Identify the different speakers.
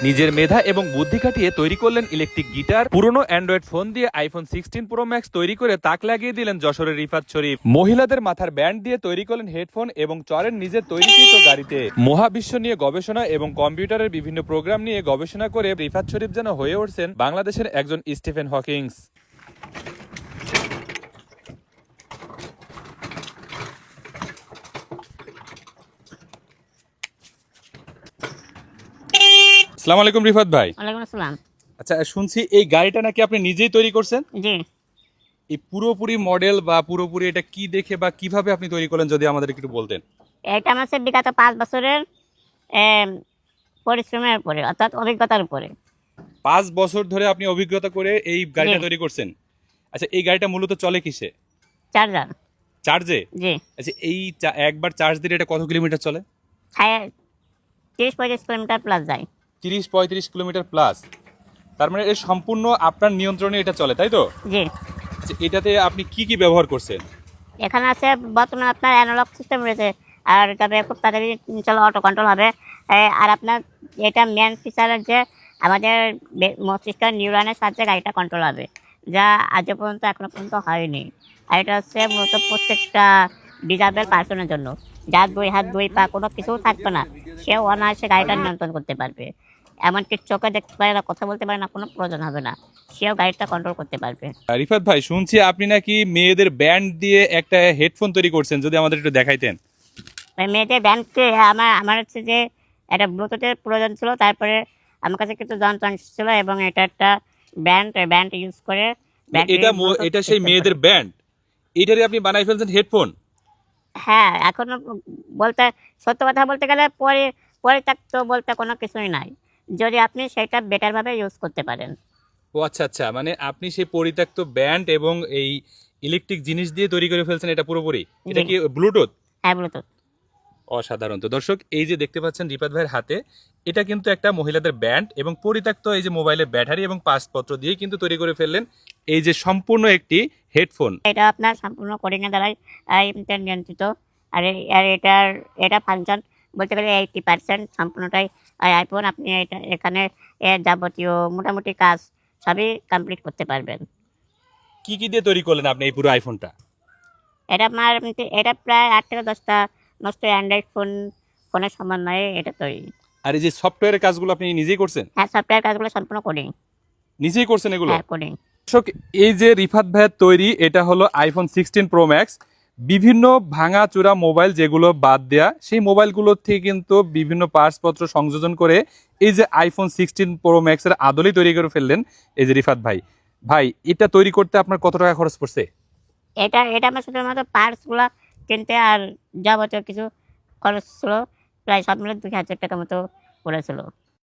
Speaker 1: নিজের মেধা এবং বুদ্ধি খাটিয়ে তৈরি করলেন ইলেকট্রিক গিটার, পুরনো অ্যান্ড্রয়েড ফোন দিয়ে আইফোন 16 প্রো ম্যাক্স তৈরি করে তাক লাগিয়ে দিলেন যশোরের রিফাত শরীফ। মহিলাদের মাথার ব্যান্ড দিয়ে তৈরি করলেন হেডফোন এবং চড়েন নিজের তৈরিকৃত গাড়িতে। মহাবিশ্ব নিয়ে গবেষণা এবং কম্পিউটারের বিভিন্ন প্রোগ্রাম নিয়ে গবেষণা করে রিফাত শরীফ যেন হয়ে উঠছেন বাংলাদেশের একজন স্টিফেন হকিংস। আসসালামু আলাইকুম রিফাত ভাই।
Speaker 2: ওয়ালাইকুম আসসালাম।
Speaker 1: আচ্ছা, শুনছি এই গাড়িটা নাকি আপনি নিজেই তৈরি করছেন?
Speaker 2: জি,
Speaker 1: এই পুরোপুরি মডেল বা পুরোপুরি এটা কি দেখে বা কিভাবে আপনি তৈরি করলেন যদি আমাদের একটু বলতেন।
Speaker 2: এটা আমার হচ্ছে বিগত 5 বছরের এম, পরিশ্রমের উপরে, অর্থাৎ অভিজ্ঞতার উপরে।
Speaker 1: 5 বছর ধরে আপনি অভিজ্ঞতা করে এই গাড়িটা
Speaker 2: জি।
Speaker 1: তৈরি করছেন। আচ্ছা, এই গাড়িটা মূলত চলে কিসে?
Speaker 2: চার্জার।
Speaker 1: চার্জে?
Speaker 2: জি,
Speaker 1: আচ্ছা, এই একবার চার্জ দিলে এটা কত কিলোমিটার চলে?
Speaker 2: 30-35 কিলোমিটার প্লাস যায়।
Speaker 1: 30-35 কিলোমিটার প্লাস। তার মানে এর সম্পূর্ণ আপনার নিয়ন্ত্রণে এটা চলে, তাই তো?
Speaker 2: জি,
Speaker 1: আচ্ছা, এটাতে আপনি কি কি ব্যবহার করছেন?
Speaker 2: এখানে আছে বর্তমানে আপনার অ্যানালগ সিস্টেম রয়েছে, আর তবে খুব তাড়াতাড়ি চলো অটো কন্ট্রোল হবে। আর আপনার এটা মেন ফিচারের যে আমাদের মস্তিষ্কের নিউরনের সাহায্যে গাড়িটা কন্ট্রোল হবে, যা আজ পর্যন্ত এখনো পর্যন্ত হয়নি। আর এটা হচ্ছে মূলত প্রত্যেকটা ডিজাবেল পার্সনের জন্য, যার 2 হাত 2 পা কোনো কিছু থাকবে না, সে অনায়াসে গাড়িটা নিয়ন্ত্রণ করতে পারবে। এমনকি চোখে দেখতে পারে না, কথা বলতে পারে না, কোনো প্রয়োজন হবে না, সেও গাড়িটা কন্ট্রোল করতে পারবে।
Speaker 1: রিফাত ভাই, শুনছি আপনি নাকি মেয়েদের ব্যান্ড দিয়ে একটা হেডফোন তৈরি করছেন, যদি আমাদের একটু দেখাইতেন।
Speaker 2: মেয়েদের ব্যান্ডকে আমার হচ্ছে যে একটা ব্লুটুথের প্রয়োজন ছিল, তারপরে আমার কাছে কিছু যন্ত্রাংশ ছিল এবং এটা একটা ব্যান্ড ইউজ করে
Speaker 1: এটা সেই মেয়েদের ব্যান্ড, এটারে আপনি বানাই ফেলছেন হেডফোন?
Speaker 2: হ্যাঁ, এখনো বলতে সত্য কথা বলতে গেলে পরিত্যক্ত বলতে কোনো কিছুই নাই, যদি আপনি সেটা বেটার ভাবে ইউজ করতে পারেন।
Speaker 1: ও আচ্ছা আচ্ছা, মানে আপনি সেই পরিত্যক্ত ব্যান্ড এবং এই ইলেকট্রিক জিনিস দিয়ে তৈরি করে ফেলছেন এটা পুরোপুরি। এটা
Speaker 2: জি।
Speaker 1: কি ব্লুটুথ?
Speaker 2: হ্যাঁ, ব্লুটুথ।
Speaker 1: অসাধারণ। তো দর্শক, এই যে দেখতে পাচ্ছেন রিফাত ভাইয়ের হাতে, এটা কিন্তু একটা মহিলাদের ব্যান্ড এবং পরিত্যক্ত এই যে মোবাইলের ব্যাটারি এবং পাসপত্র দিয়ে কিন্তু তৈরি করে ফেললেন এই যে সম্পূর্ণ একটি হেডফোন।
Speaker 2: এটা আপনার সম্পূর্ণ কোডিং এর দ্বারাই নিয়ন্ত্রিত। আর এটা ফাংশন বলতে গেলে 80% সম্পূর্ণটাই আইফোন। আপনি এখানে এর যাবতীয় মোটামুটি কাজ সবই কমপ্লিট করতে পারবেন।
Speaker 1: কি কি দিয়ে তৈরি করলেন আপনি এই পুরো আইফোনটা?
Speaker 2: এটা প্রায় 8 থেকে 10টা নষ্ট অ্যান্ড্রয়েড ফোনের সমন্বয়ে এটা তৈরি।
Speaker 1: আর এই যে সফটওয়্যারের কাজগুলো আপনি নিজেই করছেন?
Speaker 2: হ্যাঁ, সফটওয়্যার কাজগুলো সম্পূর্ণ কোডিং।
Speaker 1: নিজেই করছেন এগুলো?
Speaker 2: হ্যাঁ, কোডিং।
Speaker 1: দর্শক, এই যে রিফাত ভাইয়ের তৈরি, এটা হলো আইফোন 16 প্রো ম্যাক্স। বিভিন্ন ভাঙা চূড়া মোবাইল যেগুলো বাদ দেয়া, সেই মোবাইলগুলোর থেকে কিন্তু বিভিন্ন পার্টসপত্র সংযোজন করে এই যে আইফোন 16 প্রো ম্যাক্সের আদলেই তৈরি করে ফেললেন এই যে রিফাত ভাই। ভাই, এটা তৈরি করতে আপনার কত টাকা খরচ পড়ছে?
Speaker 2: এটা আমার শুধুমাত্র পার্টসগুলো কিনতে আর যাবতীয় কিছু খরচ ছিল, প্রায় সব মিলে 2000 টাকা মতো পড়েছিল।